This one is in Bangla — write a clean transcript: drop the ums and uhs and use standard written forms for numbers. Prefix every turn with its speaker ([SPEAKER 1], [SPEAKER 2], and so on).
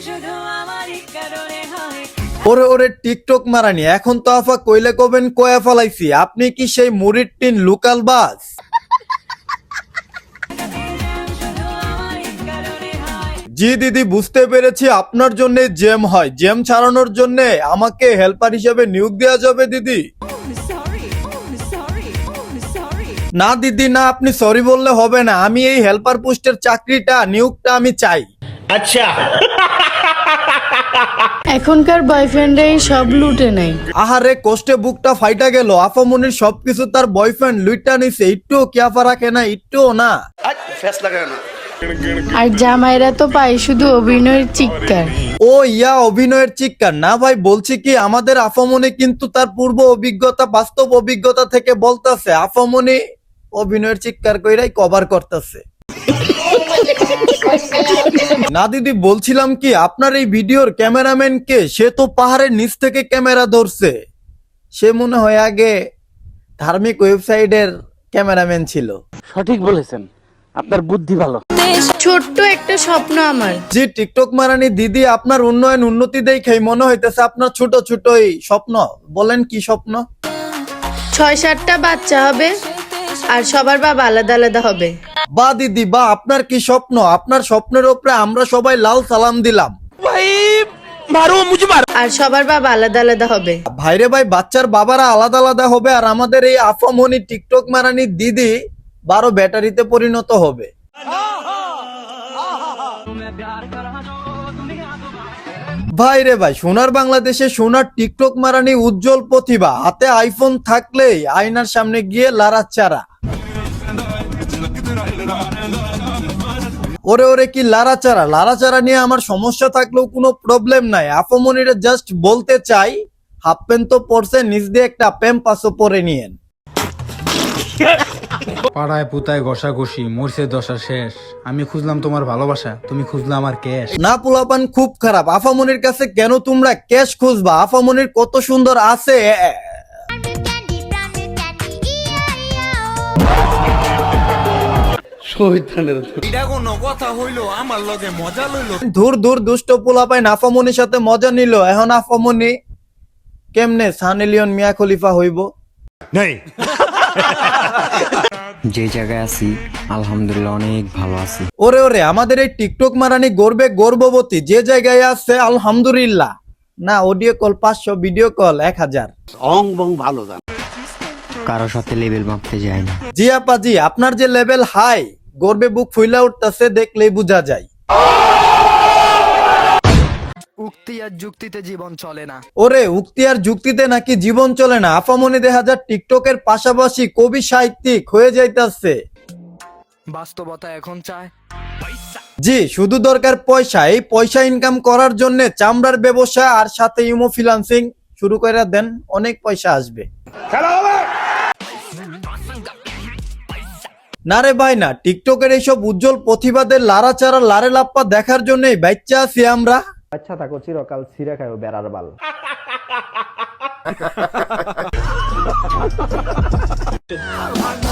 [SPEAKER 1] ওরে ওরে টিকটক মারানি, এখন তো আফা কইলে কবেন কয়া ফলাইছি, আপনি কি সেই মুড়ির টিন লোকাল বাস? জি দিদি, বুঝতে পেরেছি, আপনার জন্য জ্যাম হয়, জ্যাম ছাড়ানোর জন্য আমাকে হেল্পার হিসেবে নিয়োগ দেওয়া যাবে দিদি। না দিদি না, আপনি সরি বললে হবে না, আমি এই হেল্পার পোস্টের চাকরিটা নিয়োগটা আমি চাই।
[SPEAKER 2] আচ্ছা,
[SPEAKER 3] এখনকার বয়ফ্রেন্ডরাই সব লুটে নেয়।
[SPEAKER 1] আহারে কষ্টে বুকটা ফাইটা গেল, আফামনির সবকিছু তার বয়ফ্রেন্ড লুইটা নিছে, একটু কিয়াফা রাখে না, একটু না।
[SPEAKER 3] আর জামাইরা তো পায় শুধু অভিনয়ের চিৎকার।
[SPEAKER 1] ও ইয়া, অভিনয়ের চিৎকার না ভাই, বলছি কি আমাদের আফামনি কিন্তু তার পূর্ব অভিজ্ঞতা, বাস্তব অভিজ্ঞতা থেকে বলতেছে, আফামনি অভিনয়ের চিৎকার কইরাই কভার করতেছে। না দিদি, বলছিলাম কি আপনার এই ভিডিওর ক্যামেরাম্যান কে? সে তো পাহাড়ের নিচ থেকে ক্যামেরা ধরছে, সে মনে হয় আগে ধার্মিক ওয়েবসাইটের ক্যামেরাম্যান ছিল।
[SPEAKER 2] সঠিক বলেছেন, আপনার বুদ্ধি ভালো।
[SPEAKER 3] ছোট্ট একটা স্বপ্ন আমার।
[SPEAKER 1] জি টিকটক মারানি দিদি, আপনার উন্নয়ন উন্নতি দেখেই মনে হইতেছে আপনার ছোট ছোট এই স্বপ্ন। বলেন কি স্বপ্ন?
[SPEAKER 3] 6-7টা বাচ্চা হবে আর সবার বাবা আলাদা আলাদা হবে।
[SPEAKER 1] বা দিদি বা, আপনার কি স্বপ্ন? আপনার স্বপ্নের উপরে আমরা সবাই লাল সালাম দিলাম।
[SPEAKER 3] আর সবার বাবা আলাদা আলাদা হবে।
[SPEAKER 1] ভাইরে ভাই, বাচ্চার বাবারা আলাদা আলাদা হবে আর আমাদের এই আফামনি টিকটক মারানি দিদি 12 ব্যাটারিতে পরিণত হবে। ভাই রে ভাই, সোনার বাংলাদেশে সোনার টিকটক মারানি উজ্জ্বল প্রতিভা, হাতে আইফোন থাকলেই আয়নার সামনে গিয়ে লাড়াচাড়া। ওরে ওরে কি লাড়াচাড়া, লাড়াচাড়া নিয়ে আমার সমস্যা থাকলেও কোনো প্রবলেম নাই। আফামনিরে জাস্ট বলতে চাই, হাফ প্যান্ট তো পরছে, নিচ দিয়ে একটা প্যাম্পাসও পরে নিয়েন।
[SPEAKER 4] পাড়ায় পুতায় ঘষাঘষি মরছে দশা শেষ, আমি খুঁজলাম তোমার ভালোবাসা, তুমি খুঁজলাম আমার ক্যাশ।
[SPEAKER 1] না পোলাপান খুব খারাপ, আফামনির কাছে কেন তোমরা ক্যাশ খুঁজবা? আফামনির কত সুন্দর আছে। ধুর ধুর দুষ্ট পোলাপাইন, আফামনির সাথে মজা নিল, এখন আফামনি কেমনে সানি লিওন মিয়া খলিফা হইব?
[SPEAKER 5] যে জায়গায় আছি আলহামদুলিল্লাহ অনেক ভালো আছি।
[SPEAKER 1] ওরে ওরে, আমাদের এই টিকটক মারানি গর্বে গর্ভবতী, যে জায়গায় আছে আলহামদুলিল্লাহ। না অডিও কল 500, ভিডিও কল 1000।
[SPEAKER 2] অং বং ভালো জান।
[SPEAKER 5] কারো সাথে লেভেল মাপতে যায় না।
[SPEAKER 1] জি আপা জি, আপনার যে লেভেল হাই, গর্বে বুক ফুইলা উঠতেছে, দেখলেই বোঝা যায়।
[SPEAKER 6] উক্তি আর যুক্তিতে জীবন চলে না।
[SPEAKER 1] ওরে উক্তি আর যুক্তিতে নাকি জীবন চলে না? আফামনি দেখা যায় টিকটকের পাশাপাশি কবি সাহিত্যিক হয়ে যাইতাছে।
[SPEAKER 6] বাস্তবতা এখন চায়
[SPEAKER 1] জি, শুধু দরকার পয়সা, এই পয়সা ইনকাম করার জন্য চামড়ার ব্যবসা আর সাথে ইমো ফ্রিল্যান্সিং শুরু করে দেন, অনেক পয়সা আসবে। না রে ভাই না, টিকটকের এইসব উজ্জ্বল প্রতিভাদের লাড়াচাড়া লারে লাপ্পা দেখার জন্যই বাচ্চা আছি আমরা।
[SPEAKER 7] আচ্ছা থাকো চিরকাল ছিঁড়ে খায়ও বেড়ার বাল।